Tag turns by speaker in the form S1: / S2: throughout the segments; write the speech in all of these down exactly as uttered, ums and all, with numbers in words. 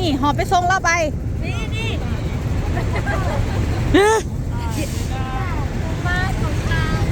S1: นี่หอบไปส่งเราไปนี่นี่มาสงกรานต์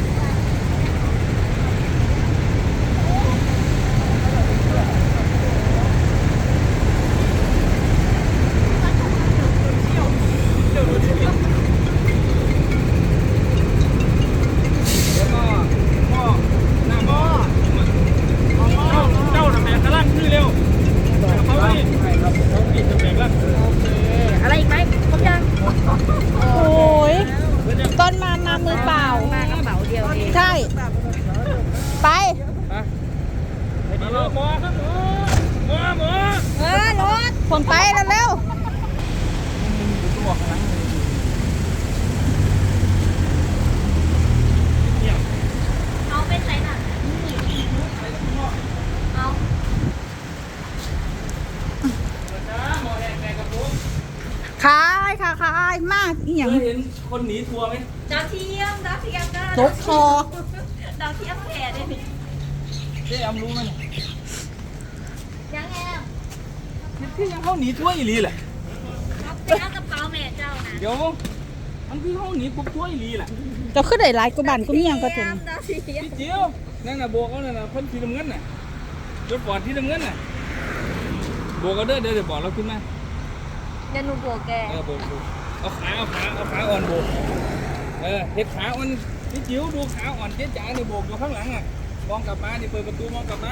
S1: อะไรอีกไหมครบยังโอ้ยตอนมามามือเปล่ามากระเป๋าเดียวเองใช่ไปไปดีลูกหมอครับหมอหมอหมอเออรถผลไปแล้วเร็วเอาไปใส่หนักเอาขายค่ะขายมากอีหยัง
S2: เห็นคนหนีทัวร์ไหม
S3: ดาวเทียมดาวเทียมก็
S1: ตกคอ
S3: ดาวเทียมแผ่ได้ไหม
S2: เจ๊แอมรู้ไหม
S3: ยังแอม
S2: ที่ยังเขาหนีทัวร์อีหลีแหละ
S3: ไปเอากระเป๋าแม่เจ้านะ
S2: เดี๋ยวมันคือเขาหนีปุ๊บทัวร์อีหลีแหละ
S1: จะขึ้นได้หลายกว่าบ้านก็มียังก็ถึง
S2: พี่เจียวนั่นน่ะโบกเขาเนี่ยนะคนที่ทำเงินน่ะรถปอดที่ทำเงินน่ะโบกเขาเด้อเดี๋ยวเดี๋ยวบอกเราขึ้นมา
S3: เดี๋ยวหนูโบกแก
S2: เออโบกเอาขาเอาขาเอาขาอ่อนโบกเออเห็ดขาอ่อนพี่จิ๋วดูขาอ่อนเจ๊จ๋าเนี่ยโบกอยู่ข้างหลังอ่ะมองกลับมาดิเปิดประตูมองกลับมา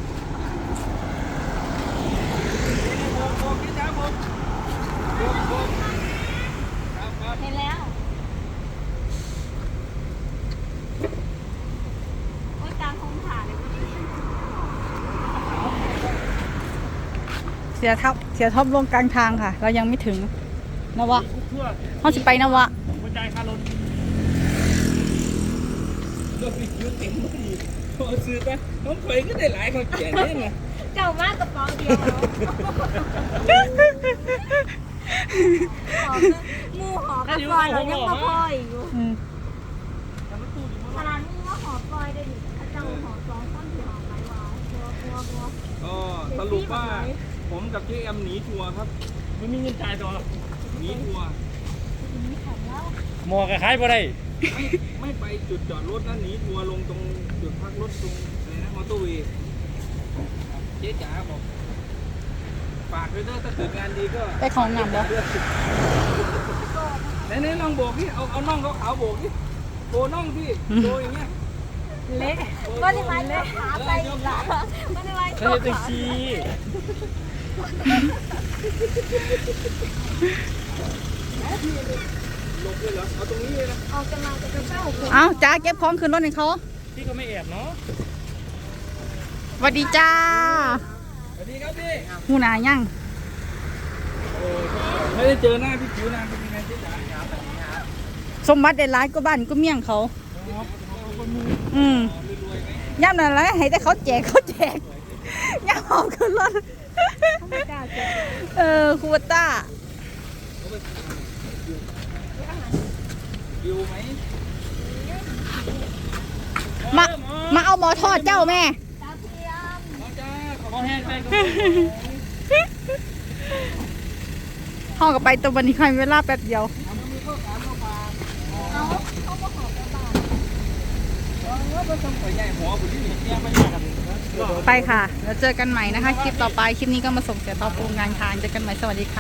S2: โบกโบกเจ๊จ๋าโบกโบกโบกครับครับ
S3: เห็นแล้วโอ้ยกลางคงผ่าเลย
S1: เสียทับเสียท็อปลงกลางทางค่ะเรายังไม่ถึงนวะเขาจะไปนวะ
S2: หัวใจคารถรถพี่จิ๋วเต็มพอดีพอซื้อไปน้องเผยก็ได้หลายคนเขียนเนี่ยนะ
S3: เจ้ามากกระเป๋าเดียวมูหอกระปอยเรายังมาพอยอยู่ขนาดมูว่าหอปอยได้ดิเจ้าหอสองต้นที่หอไปว่าบัวบัวบัว
S2: ก็สรุปว่าผมกับเจ๊แอมหนีทัวร์ครับไม่มีเงินจ่ายต่อหนีทัวร์
S4: หมอกระคายบ่ได้
S2: ไม่ไม่ไปจุดจอดรถนะหนีทัวร์ลงตรงจุดพักรถตรงอะไรนะมอเตอร์เวย์เจ๊จ๋าบอกฝากด้วยเด้อถ้าเกิดงานดีก็
S1: ไปของหนำบ่
S2: ไหนไหนลองโบกพี่เอาเอาน่องเขาขาวโบกพี่โบน่องพี่โบอย่างเงี้ย
S3: เละก็ได้ไหมเละขาไปอีกละก็ได้ไหม
S4: เฮ้ยตะกี้
S2: ลงเลยเหรอเอาตรงนี้เลยนะ
S3: เอาจะมาจะกระเช้า
S1: เอาจ้าเก็บของขึ้นรถให้เขา
S4: พี่ก็ไม่แอบเนาะ
S1: สวัสดีจ้า
S2: สวัสดีครับพี่
S1: หูหนายัง
S2: ไม่ได้เจอหน้าพี่จิ๋วนานเป็นยังไงเจ๊จ๋า
S1: สมบัติได้หลายก็บ้านก็เมี่ยงเขาอืมย่ำนั่นแหละให้แต่เขาแจกเขาแจกย่ำหอมขึ้นรถเออคูวต้า
S2: อยู่ไหม
S1: มามาเอาหมอทอดเจ้าแม่
S2: ขอแห้งไปก็
S1: ห้องกับไปตัววันนี้ใครเวลาแป๊บเดียวไปค่ะแล้วเจอกันใหม่นะคะคลิปต่อไปคลิปนี้ก็มาส่งเสียต่อปูงานทางเจอกันใหม่สวัสดีค่ะ